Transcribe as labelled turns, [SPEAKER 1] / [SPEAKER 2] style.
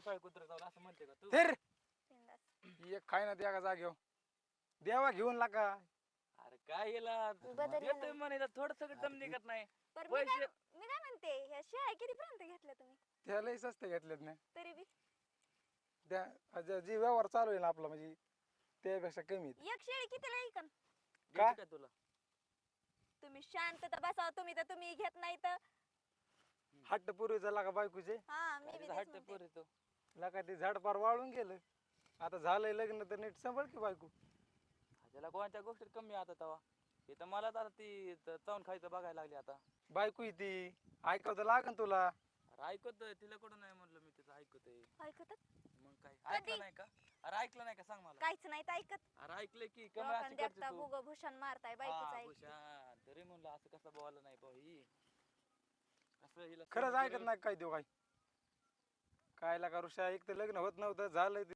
[SPEAKER 1] काळ कुत्र जाऊन असं म्हणते का तू?
[SPEAKER 2] तर
[SPEAKER 3] बिनधास्त.
[SPEAKER 2] एक खाय ना त्या जागेवर देवा घेऊन लागा.
[SPEAKER 1] अरे काय याला
[SPEAKER 3] बदललं
[SPEAKER 1] येतोय
[SPEAKER 3] नाही.
[SPEAKER 1] म्हणायला थोडस दम निघत नाही.
[SPEAKER 3] बरं
[SPEAKER 1] पैसे
[SPEAKER 3] मी काय म्हणते ह्या शेळ्या कितीपर्यंत घेतल्या तुम्ही
[SPEAKER 2] त्यालाही स्वस्त घेतलेत ना.
[SPEAKER 3] तरी बी
[SPEAKER 2] जी व्यवहार चालू आहे ना आपला म्हणजे त्यापेक्षा कमी आहेत.
[SPEAKER 3] एक शेळी कितीला ऐकन
[SPEAKER 1] घ्यायची का तुला?
[SPEAKER 3] तुम्ही शांत तर बसाव तुम्ही घेत नाही तर
[SPEAKER 2] हट्ट पूर्वीचा लागा बायकोचे
[SPEAKER 3] हा मी
[SPEAKER 1] काय
[SPEAKER 3] बी
[SPEAKER 1] तिचा
[SPEAKER 3] तेच
[SPEAKER 1] हट्ट
[SPEAKER 3] म्हणते.
[SPEAKER 1] पोर तो.
[SPEAKER 2] लागा ते झाड पार वाळून गेलं. आता झालंय लग्न तर नीट सांभाळ की बायको.
[SPEAKER 1] त्याला कोणत्या गोष्टीत कमी आता तवा. हे तर मला तर ती चावून खायचं बघायला लागली आता.
[SPEAKER 2] बायको आहे ती ऐकावं तर लागन तुला.
[SPEAKER 1] अरे ऐकतोय तिला कुठं नाही म्हणलं मी तिचं ऐकतोय.
[SPEAKER 3] ऐकतात
[SPEAKER 1] मग काय ऐकलं नाही का? अरे ऐकलं नाही का सांग मला.
[SPEAKER 3] काहीच नाही तर ऐकत
[SPEAKER 1] अरे ऐकलंय की कमी अशी
[SPEAKER 3] लोकांना
[SPEAKER 1] करते
[SPEAKER 3] देखता
[SPEAKER 1] तू.
[SPEAKER 3] भुग भूषण मारताय बायकोच
[SPEAKER 1] हा
[SPEAKER 3] ऐक
[SPEAKER 1] भूषण तरी म्हणलं असं कसं बोललं नाही भाऊ ही. असं हिला
[SPEAKER 2] खरंच
[SPEAKER 1] सहन
[SPEAKER 2] ऐकत
[SPEAKER 1] करून-
[SPEAKER 2] नाही काय देऊ काय. काय लागा ऋषा एक तर लग्न होत नव्हतं झालंय